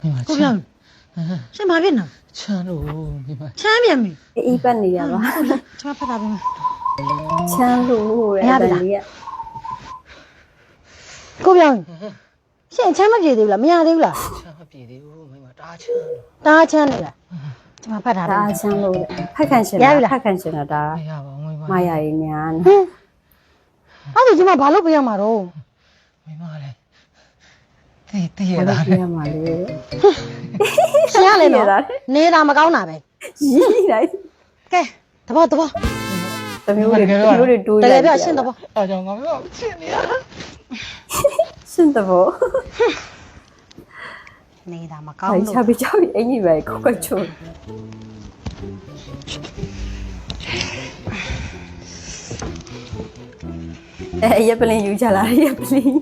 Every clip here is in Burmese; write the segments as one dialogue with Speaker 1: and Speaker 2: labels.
Speaker 1: ကိုပြောင်းရှင်ဘာဖြစ်နော်
Speaker 2: ချမ်းလို့မိမ
Speaker 1: ချမ်းပြန်ပြီ
Speaker 3: အေးပတ်နေရပါ
Speaker 1: ကျွန်မဖတ်တာပြီ
Speaker 3: ချမ်းလို့တဲ့အတန်လေးက
Speaker 1: ကိုပြောင်းရှင်ချမ်းမပြေသေးဘူးလားမရသေးဘူးလား
Speaker 2: ချမ်းမပြေသေးဘူးမိမတားချမ်းလို့
Speaker 1: တားချမ်းနေလားကျွန်မဖတ်တာပြီ
Speaker 3: ဒါချမ်းလို့ဖက်ခန့်ရှင်ဖက်ခန့်ရှင်တော့ဒါ
Speaker 2: မရပါဘူးမိမ
Speaker 3: မရရင်ညာ
Speaker 1: ဟင်းအဲ့ဒါကျွန်မဘာလို့ပြရမှာတော့
Speaker 2: မိမလည်းတည်ရ
Speaker 3: ဘာ
Speaker 2: တာ
Speaker 3: လို့ပြရမှာလဲ
Speaker 1: ရှင်ရလေနော်နေတာမကောင်းတာပဲ
Speaker 3: ရီးလိုက်က
Speaker 1: ဲတဘော
Speaker 3: တမျိုးတွေတိုး
Speaker 1: တကယ်ပြောရှင်တဘော
Speaker 2: အားကြောင့်ငါမိမချစ်နေရ
Speaker 3: ရှင်တဘော
Speaker 1: နေတာမကောင်း
Speaker 3: ဟို
Speaker 1: လို့
Speaker 3: ချာပြီးချာပြီးအင်ကြီးပဲခွက်ချိုးရပ်ပလင်ယူချလာရပ်ပလင်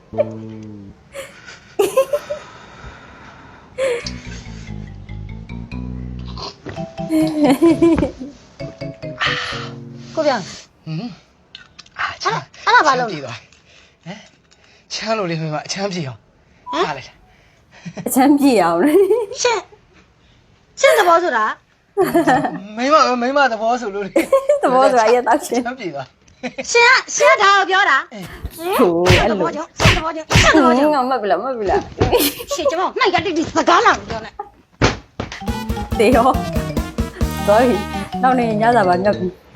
Speaker 1: ကိုပြောင်း
Speaker 2: ဟင်အားချမ်း
Speaker 1: အဲ့ဒါဘာလို့
Speaker 2: ပြေသွားဟမ်ချမ်းလို့လေမိမအချမ်းပြေအောင်ဟာလေ
Speaker 3: အချမ်းပြေအောင်လေ
Speaker 1: ရှင်တဘောဆိုတာ
Speaker 2: မိမသဘောဆိုလို့လေ
Speaker 3: သဘောဆိုတာရက်တော့ရှင်
Speaker 2: ချမ်းပြေသွား
Speaker 1: ရှင်ဒါကိုပြောတာ
Speaker 3: ဟိုအဲ့လို
Speaker 1: ရှင်တဘောကြောင့်ရှင်တဘောကြောင့်
Speaker 3: ငါမတ်ပြီလား
Speaker 1: ရှင်ကျွန်မနိုင်ကတိစကားလာပြောနေ
Speaker 3: တေရော sorry နောက်နေညစာပါငတ်ပြီ